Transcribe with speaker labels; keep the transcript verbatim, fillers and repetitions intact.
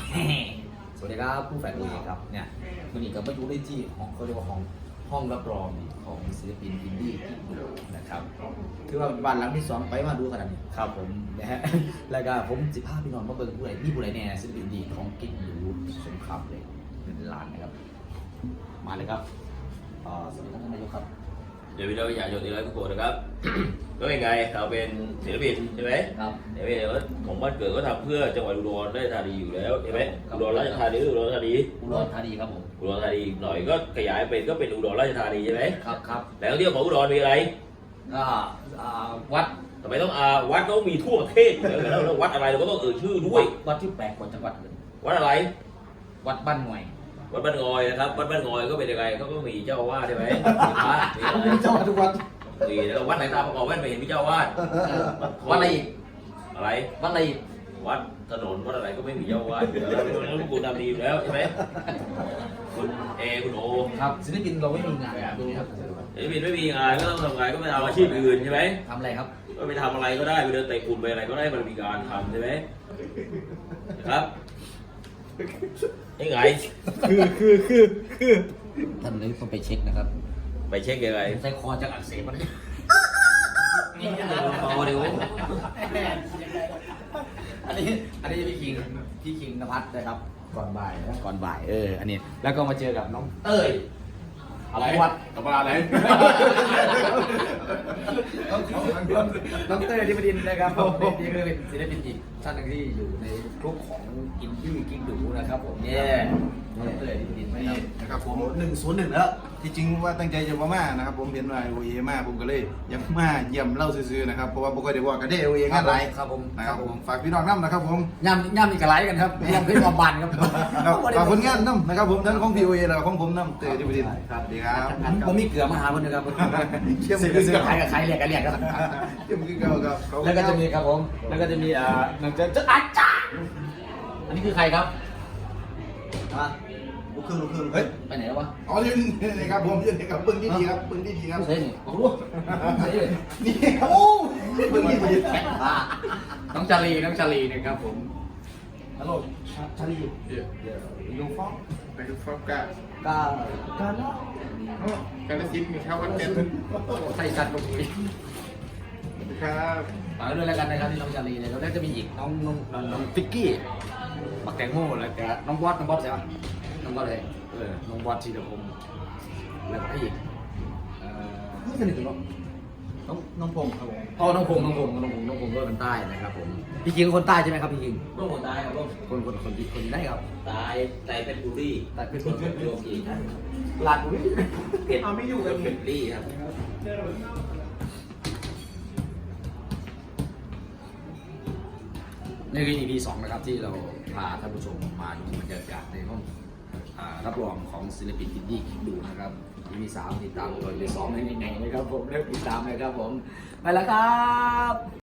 Speaker 1: สวัสดีครับผู้แฝดตัวเองครับเนี่ยวันนี้ก็มาอยู่ในที่ของเขาเรียกว่าของห้องรับรองของศิลปินอินดี้นะครับคือว่าบ้านหลังที่สองไปมาดูขนาดนี้ครับผมนะฮะแล้วก็ผมสิพาพี่น้องมาเบิ่งผู้ใดมีผู้ใดแน่ศิลปินอินดี้ของกิ๊กหรูสงครามเลยเป็นล้านนะครับมาเลยครับอ่าสวัสดีครับท่านนายกครับ
Speaker 2: เดี๋ยววิดีโออยากโยนดีเลยทุกคนนะครับ ก็ยังไงเราเป็นศิลปินใช่ไหม
Speaker 1: ครับ
Speaker 2: เดี๋ยวเราของบ้านเกิดก็ทำเพื่อจังหวัดอุดรราชธานีอยู่แล้วใช่ไหมอุดรราชธานีอุดรธานี
Speaker 1: อุดรธานีครับผม
Speaker 2: อุดรธานีหน่อยก็ขยายเป็นก็เป็นอุดรราชธานีใช่ไหม
Speaker 1: ครับครับ
Speaker 2: แหล่งท่องเที่ยวของอุดรมีอะไร
Speaker 1: ก็อ่าวัด
Speaker 2: ทำไมต้องอาวัดต้องมีทั่วประเทศเดี๋ยวแล้วแล้ววัดอะไรเราก็ต้องเอ่ยชื่อด้วย
Speaker 1: วัดที่แปลกกว่าจังหวัดอื่น
Speaker 2: วัดอะไร
Speaker 1: วัดบ้านหน่วย
Speaker 2: วัดบ้านงอยนะครับวัดบ้านงอยก็เป็นยังไงเขาก็มีเจ้าอาวาสใช่ไหมมีพระมีอะไร
Speaker 1: เจ้าวัดทุกวัด
Speaker 2: มีแล้ววัดไหนตาประกอบแว่นไม่เห็นมีเจ้าอาวาส
Speaker 1: วัดอะไรอีก
Speaker 2: อะไร
Speaker 1: วัดอะไรอีก
Speaker 2: วัดถนนวัดอะไรก็ไม่มีเจ้าอาวาสอยู่แล้วแล้วคุณทำดีอยู่แล้วใช่ไหมคุณเอคุณโอ
Speaker 1: ครับศิลปินเราไม่มีงานดูครับ
Speaker 2: เดี๋ยวบินไม่มีงานก็ต้องทำงานก็ไปทำอาชีพอื่นใช่ไหม
Speaker 1: ทำอะไรครับ
Speaker 2: ก็ไปทำอะไรก็ได้ไปเดินเตะฝุ่นไปอะไรก็ได้มันมีการทำใช่ไหมนะครับยังไง
Speaker 1: คือคือคือคือท่านเลยต้องไปเช็คนะครับ
Speaker 2: ไปเช็คยังไง
Speaker 1: ใส่คอจะอักเสบมัน
Speaker 2: คอเดี๋ยว
Speaker 1: อันนี้อันนี้พี่คิงพี่คิงนภัสนะครับก่อนบ่ายนะก่อนบ่ายเอออันนี้แล้วก็มาเจอกับน้องเต้ยอะไรวัด
Speaker 3: กลับมาอะไร
Speaker 1: น้องเต้ยที่ประดินนะครับผมนี่ก็เป็นศิลปินอีกท่านหนึงที่อยู่ในกลุ่มของอินดี้กิ๊กดูนะครับผมเนี่ยน้องเต้ยที่ประดินนะ
Speaker 3: นี่
Speaker 1: ครับ
Speaker 3: นะครับผมหนึ่งศูนย์หนึ่งแล้วที่จริงว่าตั้งใจจะมามานะครับผมเห็นว่าโอเอมาผมก็เลยยังมาเยี่ยมเล่าซื่อๆนะครับเพราะว่าปกติว่ากันได้โอเองานไร
Speaker 1: ครับผม
Speaker 3: นะครับผมฝากพี่น้องน้ำนะครับผม
Speaker 1: ย่ำย่ำมีกระไรกันครับย่ำขึ้นความบันครับ
Speaker 3: ครับฝากผลงานน้ำนะครับผมทั้งของพีโอเอและของผมน้ำเตยที่ประดิษฐ์ครับดีครับ
Speaker 1: ผมมีเกลือมาหาคนนึงครับ
Speaker 3: เชื่อม
Speaker 1: เสือ
Speaker 3: ขึ้น
Speaker 1: เสือ
Speaker 3: กับ
Speaker 1: ใครกับใครเรียกกันเรียกกัน
Speaker 3: เชื่อมขึ้นกับครับ
Speaker 1: แล้วก็จะมีครับผม แล้วก็จะมีอ่าหนังจะจะอาจารย์อันนี้คือใครครับ
Speaker 3: ลูกครึ่งลูกครึ่ง
Speaker 1: เฮ้ย ไปไหนแล้ววะ
Speaker 3: อ๋อนี่นี่ครับผมนี่ครับปึ้งที่ดีครับปึ้งที่ดีครับ
Speaker 1: เฮ้ยนี่โอ้โหเฮ้ย
Speaker 3: นี่โอ้ปึ้งที่ดี
Speaker 1: อ่าน้องชาลีน้องชาลีนะครับผม
Speaker 3: ฮัลโหลชาลียูฟองไปดูฟองกัน
Speaker 1: กาการเนาะ
Speaker 3: การละชิ้นมีข้าววันเต็ม
Speaker 1: ใส่สัตว์ลงไป
Speaker 3: ครับ
Speaker 1: ฝากด้วยแล้วกันนะครับที่น้องชาลีเลยแล้วก็จะมีอีกน้องน้องน้องฟิกกี้บักแตงโมแล้วก็น้องบอสน้องบอสใช่ปะน้องบอสเลยเออน้องบอสชีเดคมแล้วก็อีกเอ่อไม่สนิทกันหรอก
Speaker 3: น้องน้องพงศ์ครับผม
Speaker 1: อ๋อน้องพงษ์น้องพงษ์น้องพงษ์น้องพงษ์ก็เป็นใต้นะครับผมพี่คิงคนใต้ใช่ไหมครับพี่คิง
Speaker 2: ลูกคนตายครับลูก
Speaker 1: คนคนคนที่คนที่ได้ครับ
Speaker 2: ตายตายเป็นบุรี
Speaker 1: แต่เป็น
Speaker 2: ส่วนเป็นโยกีครับ
Speaker 1: ลาดบุรี
Speaker 2: เผ็ดไม่อยู่กันเป็นรีครับ
Speaker 1: นี่คือ อี พี สองนะครับที่เราพาท่านผู้ชมมาดูบรรยากาศในห้องอ่ารับรองของศิลปินอินดี้คิดดูนะครับ อี พี สามติดตามตัว อี พี สองในยังไงนะครับผมเริ่มติดตามเลยครับผมไปแล้วครับ